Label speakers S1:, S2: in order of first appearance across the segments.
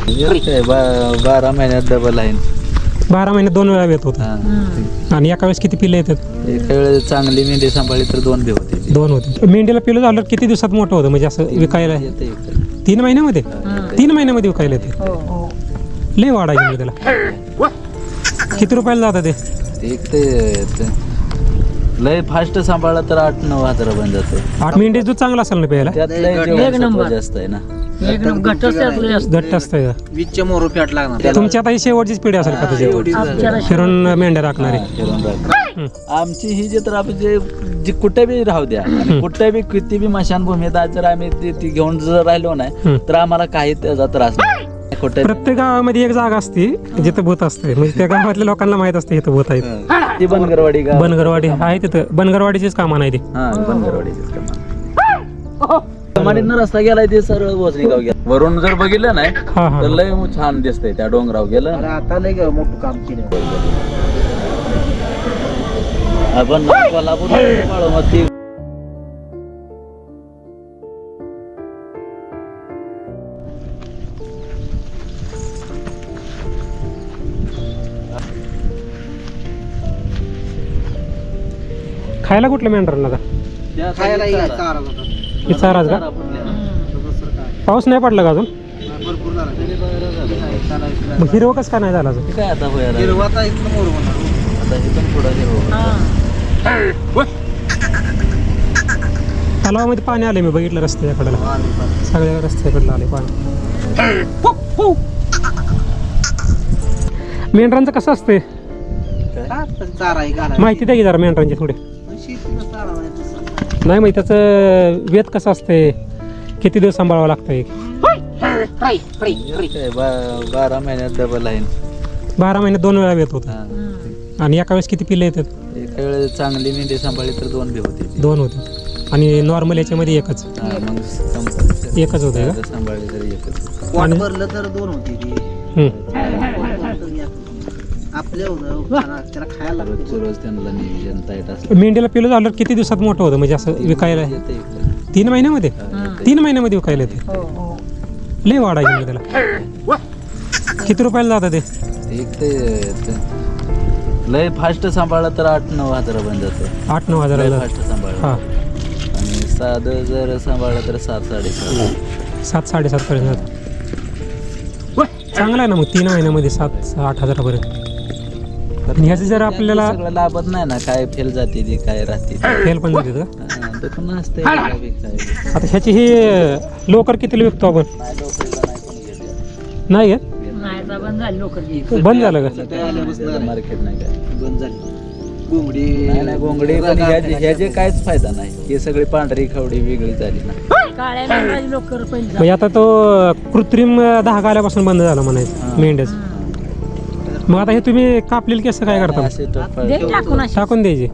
S1: काय 12 महिन्यात डबल आहे.
S2: 12 महिन्यात 2 वेळा येत होता. आणि एका वेळेस किती पिल्ले येतात?
S1: एका वेळेस चांगली मेंढी सांभाळली तर 2 बी होते.
S2: 2 होते. मेंढीला पिल्लं झालं किती दिवसात मोठं होतं म्हणजे असं विकायला?
S1: येते
S2: 3 महिन्यामध्ये? 3 महिन्यामध्ये विकायला येते. लय वाढ आहे त्याला. किती रुपयाला जातं ते?
S1: ते लय फास्ट सांभाळला तर 8-9 हजार बन जाते.
S2: 8 मेंढी दूध चांगला असेल ना प्यायला?
S1: त्यात लय जेवण जास्त आहे ना.
S2: घट्ट असतंय.
S3: वीजच्या मोरू फॅट लागणार.
S2: तुमची आता ही शेवटचीच पिढी असेल का तुझ्या फिरून मेंढ्या राखणारी?
S1: आमची ही जे तर आपण जे कुठे बी राहू द्या आणि कुठे बी किती बी मशानभूमीत आज जर आम्ही ती घेऊन जर राहिलो नाही तर आम्हाला काही त्याचा त्रास नाही.
S2: प्रत्येक गावामध्ये एक जागा असते जिथं भूत असते, म्हणजे त्या गावातल्या लोकांना माहित असते इथं भूत आहेत.
S1: ती बनगरवाडी गाव.
S2: बनगरवाडी आहे तिथं. बनगरवाडीचीच कामं नाही ती.
S1: बनगरवाडीचीच कमानीतनं रस्ता गेलाय ते सरळ वसई गाव गेला. वरून जर बघितलं नाही
S2: हा हा
S1: तर लय छान दिसतंय त्या डोंगराव गेलं.
S3: आता लय मोठं काम केलं.
S1: आपण कोल्हापूर बाळूमाती
S2: खायला कुठलं मेंढरांना आता?
S3: खायला यायचं चारा होता.
S2: हे चाराच का? पाऊस नाही पडला का अजून?
S3: भरपूर झाला.
S2: मग हिरवं कसं का नाही झालं अजून?
S1: काय आता होईल
S3: हिरवाचा इथं मोरू होणार.
S1: आता इथून पुढं हिरवं.
S2: तलावामध्ये पाणी आले, मी बघितलं रस्त्याकडेला. सगळ्या रस्त्याकडलं आले पाणी. मेंढरांचं कसं असतंय
S3: चारा आहे घालायला.
S2: माहिती द्या की जरा मेंढरांची थोडी.
S3: शेतीला चारा नाही तसं.
S2: नाही माहिती त्याचं वेत कसं असते, किती दिवस सांभाळावं लागतंय?
S1: काय 12 महिन्यात डबल आहे.
S2: 12 महिन्यात 2 वेळा येत होतं. आणि एका वेळेस किती पिल्ले येतात?
S1: एका वेळेस चांगली मेंढी सांभाळली तर 2 बी होते.
S2: 2 होते. आणि नॉर्मल याच्यामध्ये एकच
S1: मग
S2: एकच होतं का?
S1: सांभाळली तरी एकच.
S3: पोट भरलं तर 2 होती ती. आपल्या त्याला खायला लागतं.
S1: रोज त्यांना नियोजन टाईट असतं.
S2: मेंढीला पिल्लं झालं किती दिवसात मोठं होतं म्हणजे असं विकायला?
S1: येते
S2: 3 महिन्यामध्ये? 3 महिन्यामध्ये विकायला येते. लय वाढ आहे त्याला. किती रुपयाला जातं ते?
S1: लय फास्ट सांभाळला तर 8-9 हजार बन जाते.
S2: 8-9 हजाराला?
S1: फास्ट सांभाळला.
S2: हा.
S1: आणि साधं जर सांभाळलं तर 7-7.5.
S2: 7-7.5 पर्यंत जातं. चांगला आहे ना मग 3 महिन्यामध्ये 7-8 हजारापर्यंत. आणि ह्याचं जर आपल्याला
S1: सगळं लाभत नाही ना, काय फेल जाते ती काय राहते
S2: फेल पण जाते का?
S1: ते पण नसते.
S2: आता ह्याची ही लोकर कितीला विकतो आपण? नाही घेत? बंद झालं का?
S1: मार्केट नाही काय
S3: बंद झाली. घोंगडी
S1: नाही घोंगडी पण ह्याचे काहीच फायदा नाही. हे सगळी पांढरी खवडी वेगळी झाली ना.
S2: म्हणजे आता तो कृत्रिम धागा आल्यापासून बंद झाला म्हणायचं मेंढ्याच. मग आता हे तुम्ही कापलेले केस काय करता?
S1: असे
S2: टाकून द्यायचे.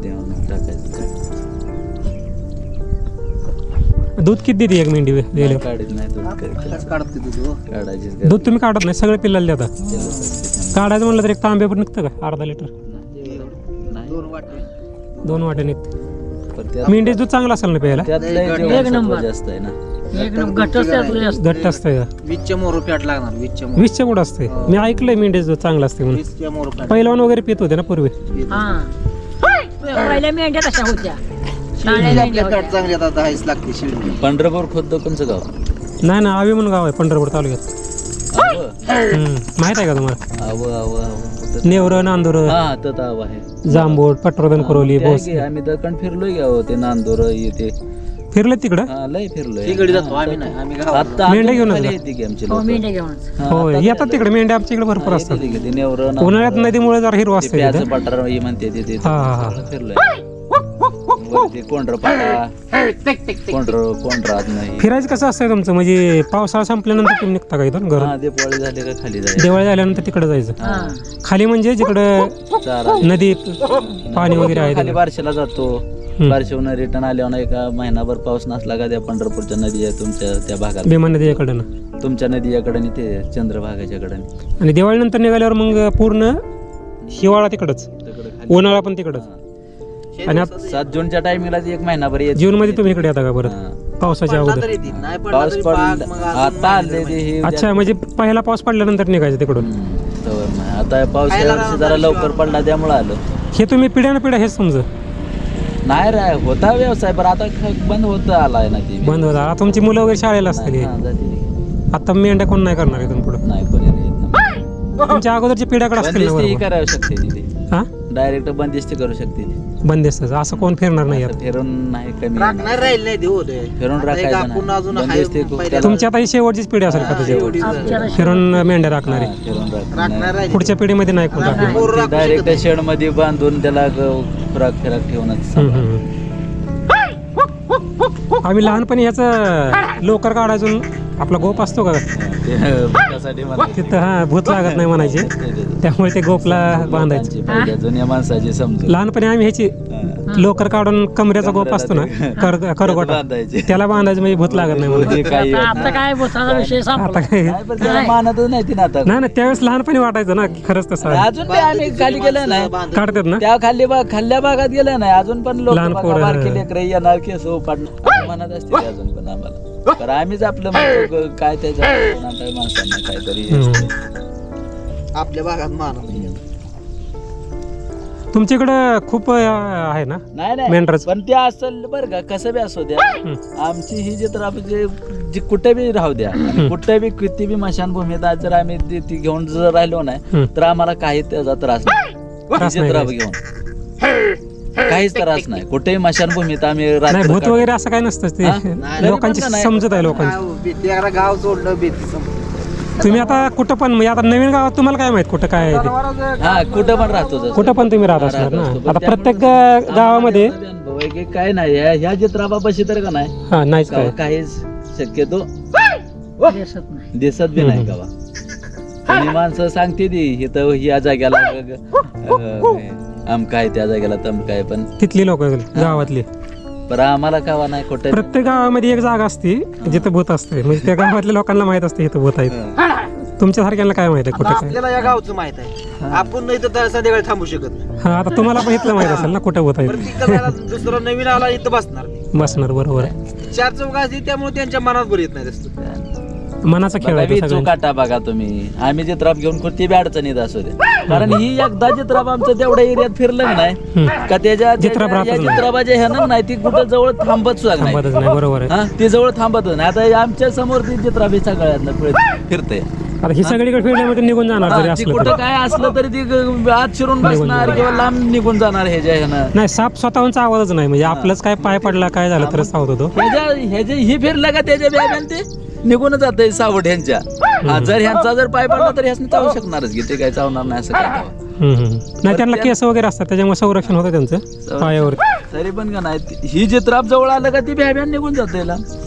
S2: दूध किती देते एक मेंढी दिले?
S1: काढत नाही दूध
S3: काढते दूध.
S1: काढायचे
S2: दूध तुम्ही काढत नाही, सगळे पिल्लाला देता? काढायचं म्हणलं तर एक तांबे पण निघतं का? अर्धा लिटर?
S3: 2 वाटे.
S2: 2 वाटे निघतं. मेंढीच दूध चांगलं असेल ना प्यायला?
S1: जास्त आहे ना.
S2: घट्ट असतंय का?
S3: वीजच्या मोरू फॅट लागणार. वीजच्या मोरू.
S2: 20च्या पुढं असते. मी ऐकलंय मेंढीच दूध चांगलं असते म्हणून.
S3: वीजच्या मोरू फॅट.
S2: पहिलवान वगैरे पित होते ना पूर्वी?
S4: पहिल्या मेंढ्या कशा होत्या?
S3: आपल्या फॅट चांगली आता 10 लागते शिळी.
S1: पंढरपूर खुद्द कोणचं गाव?
S2: नाही ना, आवे म्हणून गाव आहे पंढरपूर तालुक्यात. माहित आहे का तुम्हाला? नेवर, नांदूर,
S1: ताव आहे.
S2: जांभूळ, पटवर्धन, कुरोली, बोस.
S1: आम्ही दकण फिरलोय गाव ते नांदूर येते.
S2: फिरले तिकडं?
S1: लय फिरलोय.
S3: तिकडे जातो आम्ही नाही. आम्ही गावात.
S1: आता
S2: मेंढ्या घेऊन
S1: येते की आमची
S4: हो,
S1: लोकं.
S4: मेंढ्या घेऊन.
S2: हो येतात तिकडे मेंढ्या आमच्या इकडे भरपूर असतात.
S1: येते की ते नेवरं, नांदूर,
S2: उन्हाळ्यात नदीमुळे जरा हिरवा
S1: ते
S2: असते
S1: प्याचं
S2: तिथं.
S1: पठार ही म्हणते ते
S2: हा, हा, हा.
S1: फिरलोय. वरती कोंढरपाडा कोंढरात नाही.
S2: फिरायचं कसं असतंय तुमचं? म्हणजे पावसाळा संपल्यानंतर तुम्ही निघता का इथून घरून?
S1: दिवाळी झाली का खाली जायचं.
S2: दिवाळी झाल्यानंतर तिकडे जायचं. खाली म्हणजे जिकडं
S1: चारा
S2: नदी पाणी वगैरे आहे
S1: खाली
S2: तिकडं.
S1: बारशेला जातो. बारशेहून रिटर्न आल्यावर एका महिनाभर पाऊस नसला का त्या पंढरपूरच्या नदी आहे तुमच्या त्या भागात.
S2: भीमा नदीकडं ना.
S1: तुमच्या नदीकडे आणि ते चंद्रभागाच्या कडे
S2: आणि दिवाळीनंतर निघाल्यावर मग पूर्ण हिवाळा तिकडच, उन्हाळा पण तिकडच. आणि
S1: 7 जूनच्या टायमिंगला 1 महिनाभर
S2: जून मध्ये तुम्ही इकडे येता का परत? पावसाच्या
S3: पडला
S2: अगोदर
S3: तरी ती, नाही पडला
S1: पाऊस
S3: तरी बाग
S1: पडला
S3: मग अजून
S1: आता आले
S3: महिने
S1: ते हे
S2: अच्छा म्हणजे पहिला पाऊस पडल्यानंतर निघायचं तिकडून
S1: तवर नाही. आता पाऊस या वर्षी जरा लवकर पडला त्यामुळे आलं
S2: हे तुम्ही पिढ्यानं पिढ्या हेच समज
S1: नाही रे होता व्यवसाय पण आता बंद होत आलाय ना ती
S2: बंद होता आता तुमची मुलं वगैरे शाळेला असतील
S1: हा, जाते ती.
S2: आता मेंढ्या कोण नाही करणार इथून पुढं
S1: नाही कोणी येत नाही.
S2: तुमच्या अगोदरची पिढ्याकडे असतील ना
S1: बंदिस्ती ही
S2: बरोबर
S1: करावं शकते तिथे
S2: हा
S1: डायरेक्ट बंदिस्ती करू शकते ती
S2: बंदिस्त असं कोण फिरणार नाही
S1: आता फिरून नाही कमी
S3: राखणार राहील नाही ते होते
S1: फिरून राखायचं
S3: आपण
S1: नाही.
S3: अजून हाय
S1: बंदिस्ती खूप
S3: पहिल्या-
S1: त्याला-
S2: तुमची आता ही शेवटचीच पिढी असेल का त्याच्यावर
S3: एवढीच
S2: फिरून मेंढ्या राखणारी
S1: हा, फिरून राखणार
S3: राखणार राहील
S2: पुढच्या पिढीमध्ये नाही कोण राखणार.
S3: पोरं राखू
S1: डायरेक्ट
S3: शकत नाही.
S1: शेड मध्ये बांधून त्याला खुराक फिराक ठेवूनच
S2: हम्म, हम्म. आम्ही लहानपणी ह्याचं लोकर काढायचून आपला गोप असतो का
S1: ते भुतासाठी म्हणतात.
S2: तिथं हा भूत लागत नाही म्हणायचे त्यामुळे ते गोपला बांधायचे
S1: लोकांची पहिल्या जुन्या माणसाची समजून
S2: लहानपणी आम्ही ह्याची लोकर काढून कमऱ्याचा गोप असतो ना करगोटा
S1: बांधायचे
S2: त्याला बांधायचं म्हणजे भूत लागत नाही म्हणून
S1: ते काही होत
S4: आता
S1: नाही.
S4: काय भूताचा विषय
S2: आता
S4: संपला
S2: काय
S1: नाही, पण त्याला मानतच नाही ती ना आता
S2: नाही ना त्यावेळेस लहानपणी वाटायचं ना की खरंच तसं आहे.
S1: अजून ते आम्ही खाली गेलं नाही
S2: काढतात ना
S1: त्या खाल्ल्या भागात गेलं नाही अजून पण लोक
S2: लहान पोरं.
S1: बारकी लेकरं येणार केस पाडणार म्हणत असते ते अजून पण आम्हाला तर आम्हीच आपलं म्हणतो काय त्याच्या माणसांना काहीतरी
S2: हम्म.
S3: आपल्या भागात मान
S2: तुमच्याकडं खूप आहे ना
S1: नाही नाही
S2: मेंढराचं.
S1: पण ते असेल बरं का कसं बी असू द्या आमची ही जी तर आपण जी कुठे बी राहू द्या आणि कुठे बी किती बी मशानभूमीत आज जर आम्ही ती घेऊन जर राहिलो नाही तर आम्हाला काही त्याचा त्रास नाही
S2: त्रास
S1: ही
S2: नाही
S1: जत्रा
S2: काही.
S1: घेऊन काहीच त्रास नाही कुठेही मशानभूमीत आम्ही
S2: नाही
S1: रात्र
S2: भूत
S1: काढतो.
S2: वगैरे असं काय नसतं
S1: हा?
S2: ते लोकांची
S1: नाही.
S2: समजत आहे लोकांची
S3: भीती एकदा गाव सोडलं भीती संपली.
S2: तुम्ही आता कुठं पण म्हणजे आता नवीन गावात तुम्हाला काय माहित कुठं काय आहे ते
S1: हा कुठं पण राहतो जसं.
S2: कुठं पण तुम्ही राहत
S1: हा,
S2: असणार
S1: राहत
S2: ना
S1: असतो. पण
S2: आता
S1: त्यामुळे
S2: प्रत्येक
S1: आम्हाला
S2: गावामध्ये
S1: त्याचा बी अनुभव आहे की काय नाही ह्या जत्राबापाशी तर का नाही
S2: हा नाहीच काय
S1: काहीच शक्यतो
S4: दिसत नाही
S1: दिसत बी नाही गावा आणि माणसं सांगते ती इथं ह्या जाग्याला आमका आहे त्या जाग्याला तमका आहे पण
S2: तिथली लोक गावातली
S1: बरं आम्हाला कावा नाही कुठं
S2: प्रत्येक गावामध्ये एक जागा असते जिथं भूत असते म्हणजे त्या गावातल्या लोकांना माहित असते इथं भूत आहेत तुमच्या सारख्यांना काय माहित आहे
S3: आता
S2: कुठं काय
S3: आपल्याला या गावचं माहित आहे आपण नाही तर संध्याकाळी थांबू शकत नाही
S2: हा आता तुम्हाला पण इथलं माहित असेल ना कुठं भूत आहे
S3: प्रत्येकाला दुसरा नवीन आला इथं बसणार
S2: बसणार बरोबर आहे
S3: चार चौघ असते त्यामुळे त्यांच्या मनात बरं येत नाही रस्ते
S2: मनाचा खेळ आहे तो सगळ्यांचा.
S1: काटा बघा तुम्ही आम्ही जित्राप घेऊन कुठली बी अडचणीत असू दे कारण ही एकदा जित्राप आमचं तेवढ्या एरियात फिरलं नाही का त्याच्या
S2: जित्राप राहतच नाही.
S1: जित्राबाच्या ह्यानं नाही ती कुठं जवळ थांबत सुद्धा नाही
S2: थांबतच नाही बरोबर आहे
S1: हा ती जवळ थांबतच नाही आता आमच्या समोर ती जित्राबी सगळ्यातलं फिरते
S2: आता ही सगळीकडे फिरण्यामध्ये निघून जाणार जरी
S1: ती
S2: असलं
S1: कुठं
S2: तर
S1: काय असलं तरी ती आत शिरून बसणार किंवा लांब निघून जाणार ह्याच्या ह्यानं
S2: नाही साप स्वतःहूनचा आवाजच नाही म्हणजे आपलंच काय पाय पडला काय झालं तरच सावत होतो
S1: ह्याच्या ही फिरलं का त्याच्या बॅगन ते निघून जात सावट ह्यांच्या हा, जर ह्यांचा जर पाय पडला तर ह्याच चावू शकणारच की ते काय चावणार नाही असं काय
S2: नाही त्यांना केस वगैरे असतात त्याच्यामुळे संरक्षण होतं त्यांचं पायावर
S1: तरी पण का नाही ही जित्राप जवळ आलं का ती बॅब्यान निघून जाते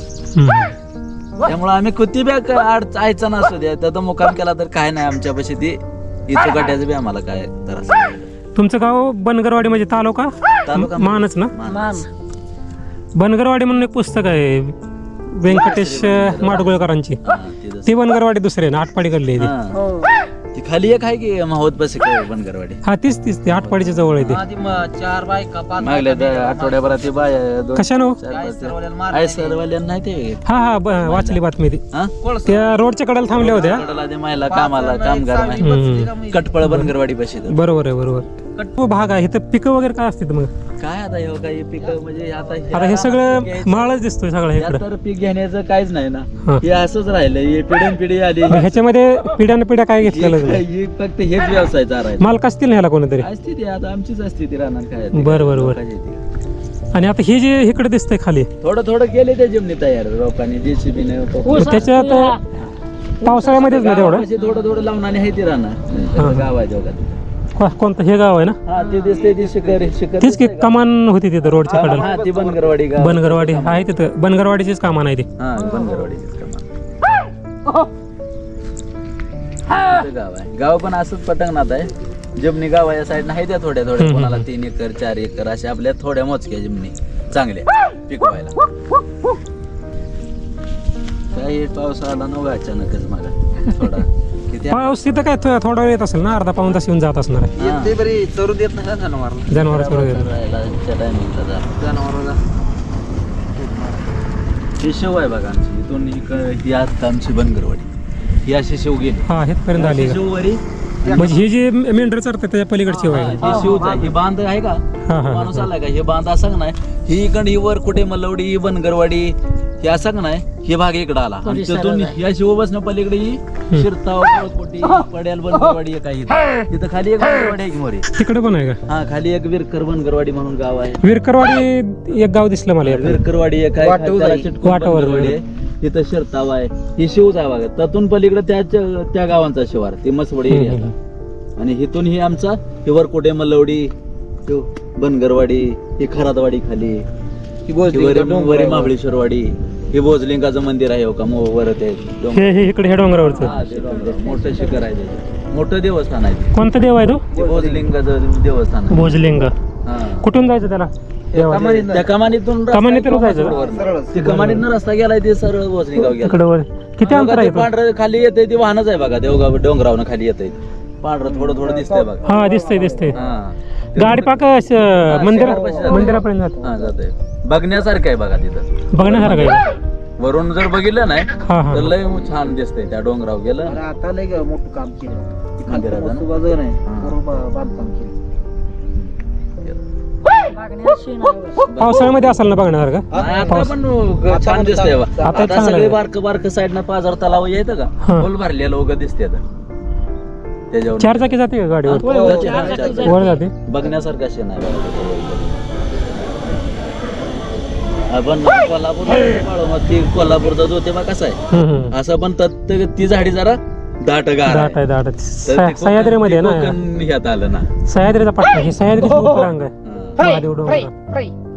S1: त्यामुळे आम्ही किती बॅग आयचा नसू द्या तर मुकाम केला तर काय नाही आमच्यापाशी ती इचुकाट्याचं बी आम्हाला काय त्रास नाही.
S2: तुमचं गाव बनगरवाडी म्हणजे तालुका
S1: तालुका
S2: मानच ना
S1: मानस.
S2: बनगरवाडी म्हणून एक पुस्तक आहे व्यंकटेश माडगुळकरांची
S1: हा, ती जसं-
S2: ती बनगरवाडी दुसरी आहे ना आटपाडीकडली आहे ती.
S1: हा.
S4: हो
S1: ती खाली एक आहे की माहोत बस बनगरवाडी
S2: हा तीच तीच ती आटपाडीच्या जवळ आहे ती
S3: आधी मग चार बायका पाच
S1: मागल्या आठवड्याभरात ती बाय
S2: कशानं
S1: आय सरवाल्यानं नाही ते
S2: हा हा वाचली बातमी ती
S1: हा
S2: त्या रोडच्या कडेला थांबल्या होत्या
S1: कडला ते महिला कामाला कामगार नाही
S2: हम्म.
S1: कटपळ बनगरवाडी बशी
S2: बरोबर आहे बरोबर तो भाग आहे इथं पिकं वगैरे काय असते मग
S1: काय आता हे काही पीक म्हणजे आता
S2: आता हे सगळं माळच दिसतोय सगळं
S1: यात
S2: इकडं
S1: तर पीक घेण्याचं काहीच नाही ना
S2: हा.
S1: हे असंच राहिलं हे पिढ्यान पिढी आली
S2: मग ह्याच्यामध्ये पिढ्यान पिढ्या काय घेतलेलं नाही
S1: ही फक्त हेच व्यवसाय चालायचा
S2: मालक असतील ना ह्याला कोणीतरी
S1: असते ती आता आमचीच असते ती राहणार काय
S2: बरं, बरं, बरं. आणि आता हे जे इकडे दिसतंय खाली
S1: थोडं थोडं केले त्या जिमनी तयार लोकांनी जेसीबीने
S2: त्याच्यात पावसाळ्यामध्येच ना तेवढं
S1: थोडं थोडं लावून आणि आहे ती राहणार गाव आहे दोघात
S2: कोणतं हे गाव आहे ना
S1: हा ती दिसते ती शिखर शिखर
S2: तीच की कमान होती तिथं रोडच्या कडेला
S1: हा ती बनगरवाडी गाव
S2: बनगरवाडी आहे तिथं बनगरवाडीचीच कामान आहे ती
S1: हा बनगरवाडीचीच कमान तिथं गाव आहे गाव पण असंच पटंगणात आहे जमनी गाव या साईड आहे त्या थोड्या थोड्या कोणाला 3 एकर 4 एकर अशा आपल्या थोड्या मोजक्या जमनी चांगल्या पिकवायला काही पाऊस आला नव्हता अचानकच मागा थोडा किती
S2: पाऊस तिथं काय थोडा वेळ येत असेल ना अर्धा पाऊण तास येऊन जात असणार आहे
S3: येते बरी चरू देत नाही ना जनावरला
S2: जनावर
S1: राहिला त्या टायमिंगला जा
S3: जनावरला
S1: हे शेव आहे बघा आमची इथून ही आता आमची बनगरवाडी ही अशी शेव गेली
S2: हा हेतपर्यंत आली का?
S1: शेववरी
S2: म्हणजे ही जी मेंढर चरतात त्याच्या पलीकडची आहे का?
S1: हे शिवच आहे ही बांध आहे का
S2: हा हा
S1: माणूस आलाय का हे बांध असा नाही ही इकडे ही वर कुठे मलवडी ही बनगरवाडी हे असं का नाही हे भाग इकडे आला आणि तिथून या शिव बसणं पलीकडे ही शिरताव कोटी पड्याल बनगरवाडी एक आहे तिथं खाली एक बनगरवाडी आहे की मोरी
S2: तिकडे पण आहे का?
S1: हा खाली एक विरकर बनगरवाडी म्हणून गाव आहे
S2: विरकरवाडी एक गाव दिसलं मला यातून.
S1: विरकरवाडी एक आहे
S3: वाटव
S1: त्याला
S3: जाई.
S1: चिटकून
S2: वाटावर
S1: बनगरवाडी आहे. तिथं शिरताव आहे ही शिवच आहे बघा त्यातून पलीकडे त्या गावांचा शिवार ती मसवडी एरियाला आणि इथून ही आमचा ही वरकोटे मलवडी ह्यो बनगरवाडी ही खरातवाडी खाली
S3: ही बोलते
S1: वरी महाबळेश्वरवाडी हे भोजलिंगाचं मंदिर आहे हो का वर ते डोंगर.
S2: हे इकडे ह्या डोंगरावरचं
S1: हा, ते डोंगर. मोठं शिखर आहे ते. मोठं देवस्थान आहे ते.
S2: कोणता देव आहे तो?
S1: ते भोजलिंगाचं देवस्थान आहे.
S2: भोजलिंग
S1: हा.
S2: कुठून जायचं त्याला देवाला?
S1: त्या कमानीतून रस्ता
S2: कमानीतून
S1: आहे
S2: जायचं?
S1: वरनं. ते कमानीतनं रस्ता गेलाय ते सरळ भोजलिंगाव गेला
S2: तिकडे वर किती अंतर आहे तो?
S1: पांढरं खाली येते ते वाहनच आहे बघा देवगाव डोंगरावनं खाली येते पांढरं थोडं थोडं दिसतंय बघा
S2: हा दिसतंय दिसतंय
S1: हा
S2: गाडी पाक मंदिरापर्यंत जाते.
S1: हा जाते बघण्यासारखं आहे बघा तिथं
S2: बघण्यासारखं आहे
S1: वरून जर बघितलं नाही
S2: हा हा
S1: तर लय छान दिसतंय त्या डोंगरावर गेलं
S3: अरे आता लय ग मोठं काम केलं
S1: मंदिराचं ना?
S3: मस्त बाजू नाही
S1: हा.
S3: बरोबर बांधकाम केलं
S4: मागण्याशी नाही.
S2: पावसाळ्यामध्ये असाल ना बघण्यासारखं
S1: नाही, आता पण छान दिसतंय बा.
S2: आता
S1: आता
S2: चांगलं
S1: सगळे
S2: आहे.
S1: बारक साईडनं पाझर तलाव येतं का
S2: हा.
S1: फुल भरलेलं वगैरे दिसते त्याच्यावर
S2: चार चाकी जाते का गाडीवर
S1: जाते, हा, जाते.
S2: वर जाते
S1: बघण्यासारखं असे नाही बघा. आपण कोल्हापूर ती कोल्हापूरचा ज्योतिबा कसा आहे असं पण ती झाडी जरा दाट गार
S2: दाट आहे दाट आहे.
S1: तर ते
S2: सह्याद्रीमध्ये आहे ना
S1: कोकण ह्यात आलं ना
S2: सह्याद्रीचा पट्टा ही सह्याद्रीची उपरांग आहे
S1: हा.
S2: महादेव डोंगर